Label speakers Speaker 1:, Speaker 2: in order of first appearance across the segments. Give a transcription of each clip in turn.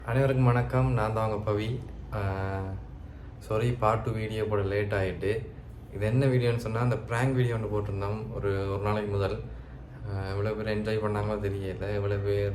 Speaker 1: அனைவருக்கும் வணக்கம். நான் தான் உங்கள் பவி. சாரி, பார்ட் 2 வீடியோ போட லேட் ஆகிட்டு. இது என்ன வீடியோன்னு சொன்னால், அந்த ப்ராங்க் வீடியோ ஒன்று போட்டிருந்தோம் ஒரு நாளைக்கு முதல். எவ்வளோ பேர் என்ஜாய் பண்ணாங்களோ தெரியல. எவ்வளோ பேர்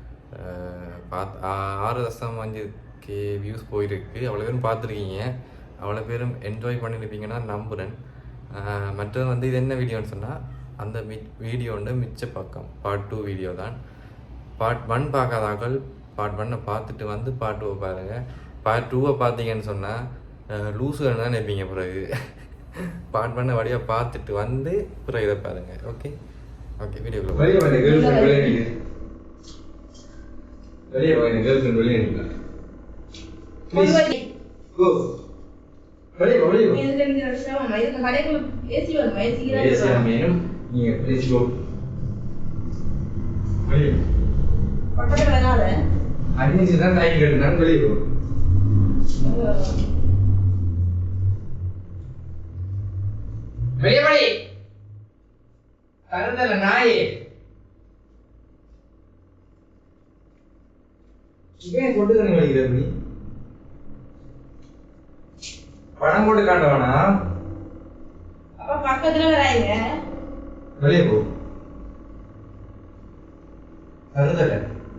Speaker 1: 6.5K வியூஸ் போயிருக்கு. அவ்வளோ பேரும் பார்த்துருக்கீங்க. அவ்வளோ பேரும் என்ஜாய் பண்ணியிருப்பீங்கன்னா நம்புகிறேன். மற்றது வந்து இது என்ன வீடியோன்னு சொன்னால், அந்த வீடியோ வந்து மிச்ச பக்கம் பார்ட் 2 வீடியோ தான். பார்ட் 1 பார்க்காதாக்கள் பார்ட் 1 பார்த்துட்டு வந்து பார்ட் 2 பாருங்கள். பார்ட் 2 பார்த்தீங்கன்னு சொன்னால் லூஸுன்னு தான் நினைப்பீங்க. பிறகு பார்ட் 1 வழியாக பார்த்துட்டு வந்து பிறகு இதை பாருங்கள். ஓகே ஓகே, வீடியோக்குள்ள அடிச்சுதான் டைம் கேட்டுனான்னு வெளியே போ. வெளியே தருதல நாயே. ஏன் கொண்டு தண்ணி வலிக்கிற நீ? பணம் போட்டு காட்டவானா?
Speaker 2: அப்ப பக்கத்துல வராங்க.
Speaker 1: வெளியே போ. தருதல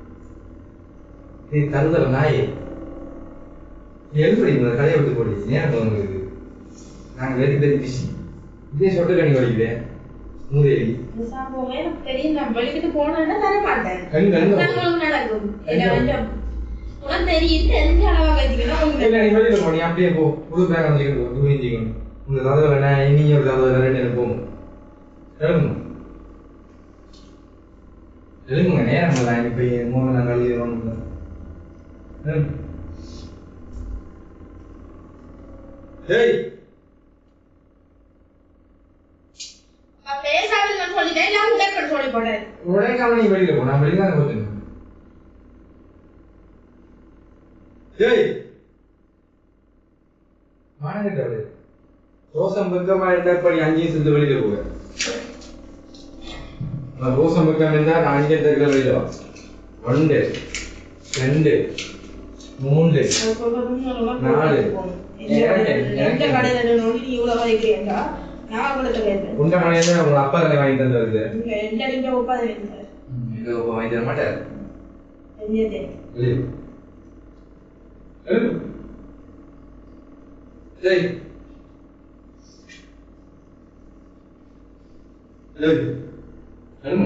Speaker 1: தருதல நாயே. எழுப்படி கடையை விட்டு போடி. ஏன் உங்களுக்கு நாங்கள் வெரி வெரி பிஸி. இதே சொட்டு கண்ணி வலிக்குதே மூதேவி.
Speaker 2: தெரியும், நான் வெளிக்கிட்டு போனேன்னா தர மாட்டேன். நடக்கும் உனக்கு தெரியும். தெரிஞ்ச அளவா கட்டிக்கணும்.
Speaker 1: நீ அப்படியே போ. புது பேக் வந்துக்கணும். தூங்கிக்கணும். உங்க தகவல் என்ன? இனி ஒரு தகவல் ரெண்டு போகும். எழுப்புங்க எழுப்புங்க. நேரம் இல்லை. இப்போ மூணு நாங்கள் எழுதிடுறோம். ஏய்
Speaker 2: பேசாமல் நான் சொல்லிட்டேன். நான் உடனே சொல்லி போட்டேன்.
Speaker 1: உடனே கவனி வெளியில போ. நான் வெளியில தான் போறேன். ஏய் மானங்கட்டவளே, ரோசம் பக்கமா இருந்தா படி 5 நிமிஷத்துல வெளியில போக. ரோசம் பக்கம் இருந்தா நான் 5 நிமிஷத்துல வெளியில வா. 1 2 3 4
Speaker 2: எந்த கடையில நோண்டி நீ இவ்வளவு வைக்கிறீங்களா? நான் கூட கேட்டேன்.
Speaker 1: உண்ட மணியில உங்க அப்பா தானே வாங்கி தந்தது.
Speaker 2: நீங்க எந்த லிங்க ஒப்பாத வைங்க.
Speaker 1: இங்க ஒப்பா வாங்கி தர மாட்டார்.
Speaker 2: என்னது?
Speaker 1: இல்ல. ஏய். ஏய். அருமை.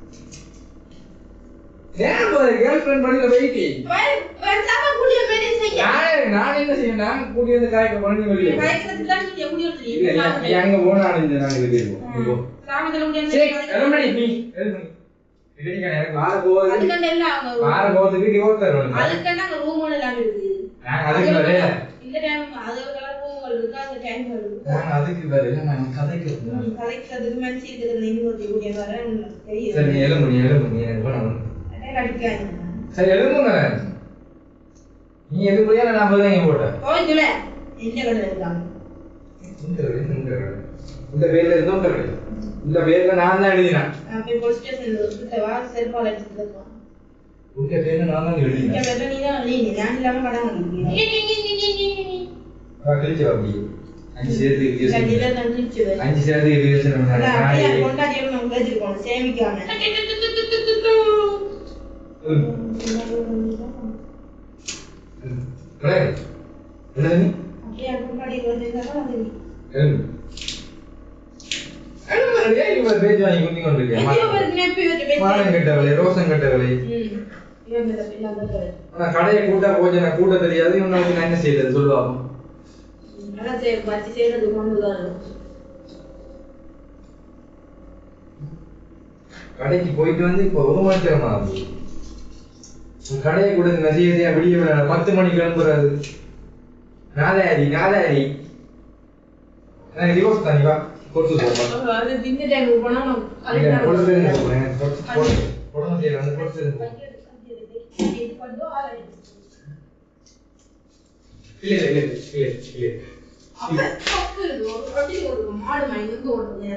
Speaker 1: ஏன் போற கேர்ள் ஃப்ரெண்ட் பண்ணில வெயிட்டி?
Speaker 2: வேண்டாமா கூடிய மேனேஜ் செய்ய.
Speaker 1: நான் என்ன செய்யணும்? நான் கூடிய வந்து காய்க்க பண்ணி வெளிய.
Speaker 2: காய்க்கிறதுல நீ எப்படி சொல்றீங்க?
Speaker 1: இல்ல நீ அங்க போனா நாங்க வெளிய போ.
Speaker 2: சாமத்துல முடியாது.
Speaker 1: சரி, எருமணி நீ எருமணி. இதுக்கு எனக்கு வார போகுது.
Speaker 2: அதுக்கண்ட எல்லாம் அவங்க
Speaker 1: வார போகுதுக்கு டிவோர்ஸ் தரணும்.
Speaker 2: அதுக்கண்ட அங்க ரூம் ஒன்னு எல்லாம் இருக்கு.
Speaker 1: நான் அதுக்கு வரே.
Speaker 2: இந்த டைம் அது ஒரு கலர் ரூம் இருக்கு. அந்த டைம் வருது.
Speaker 1: நான் அதுக்கு வரே. நான் கதைக்கிறேன்.
Speaker 2: கதைக்கிறதுக்கு மனசு இருக்குது. நீங்க ஒரு கூடிய வரேன் தெரியும்.
Speaker 1: சரி எருமணி எனக்கு பண்ணணும். சரி எழுதுங்க. நீ எதுக்குள்ளே நான் போய் போட்ட
Speaker 2: போய்க்கல. என்ன கடை இருக்காங்க?
Speaker 1: இந்த பேர்ல இருந்தோம். இந்த பேர்ல நான் தான் எழுதினேன்.
Speaker 2: அப்ப போலீஸ் ஸ்டேஷன்ல வந்து வா செல்பால எடுத்துட்டு
Speaker 1: உங்க பேர்ல நான் தான் எழுதினேன்.
Speaker 2: இந்த பேர்ல நீ தான் எழுதி. நான் இல்லாம கடை வாங்கிட்டீங்க.
Speaker 1: கிழிச்சு வாங்கி 5 சேர்த்து இருக்கு.
Speaker 2: கண்டிப்பா நான் கிழிச்சு
Speaker 1: 5 சேர்த்து இருக்கு.
Speaker 2: நான் கொண்டாடியே நான் வெச்சிருக்கோம் சேமிக்காம.
Speaker 1: என்னது?
Speaker 2: அப்படியே கொண்டாடி வந்ததா அது.
Speaker 1: இவர் பேஜ் வாங்கி குத்தி கொண்டிருக்கேன். மானம் கட்டவளே, ரோசம் கட்டவளே. நான் கடையை கூட்டா போச்சு. நான் கூட்ட தெரியாது. இவனுக்கு நான் என்ன செய்யறது சொல்லுவாங்க. கடைக்கு போயிட்டு வந்து இப்போ 1 மணி நேரமா ஆகுது. கடையை கூட நசியதையா விடிய 10 மணிக்கு கிளம்புறாரு. நாதாரி டிவோர்ஸ் தானி வா கொடுத்து போமா.
Speaker 2: அது திங்க டைம் போனா
Speaker 1: நான் கொடுத்து போறேன். போடணும் தேவை வந்து கொடுத்து
Speaker 2: இது பண்ணோ ஆளே.
Speaker 1: இல்ல
Speaker 2: அப்ப தப்பு ஒரு ரொட்டி ஒரு மாடு மைந்து ஓடுங்க.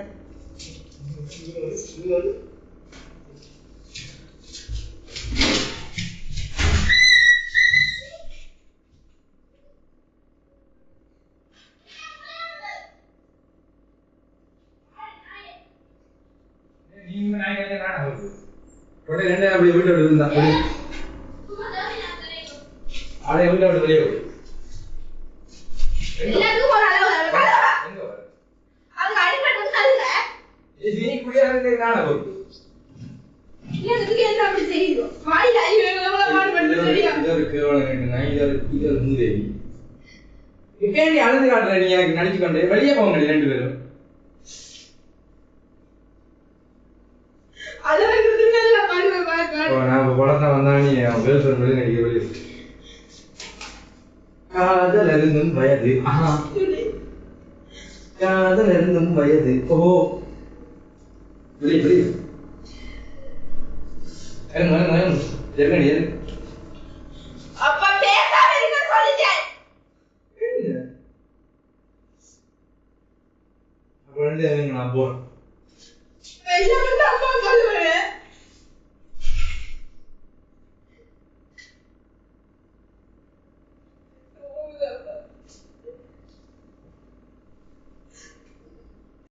Speaker 3: உடனே ரெண்டு அப்படி வீட்டை விட்டு இருந்தா அவளை வீட்டை விட்டு வெளியே போய்
Speaker 2: எல்லாத்துக்கும் ஒரு அளவு அதுக்கு அடிப்பட்டு தருங்க
Speaker 3: நீ குடியாரு நானே போய்
Speaker 2: இதுக்கு என்ன அப்படி செய்யுது வாயில எவ்வளவு பாடுபட்டு சரியா
Speaker 3: இது ஒரு கேவலம் நான் இது ஒரு மூதேவி இப்ப நீ அழுது காட்டுற நீ எனக்கு நடிச்சு கொண்டு வெளியே போக முடியும் ரெண்டு பேரும் நான் படத்தை வந்தா நீ கேர்ள் ஃப்ரெண்ட் வெளியே நடிக்க வெளியே காதல் அருந்தும் வயது காதல் அருந்தும் வயது ஓ வெளியே வெளியே ஜெர்மனி
Speaker 2: அப்பா பேசாம இருக்க சொல்லிட்டேன்
Speaker 3: அப்ப நான் போறேன்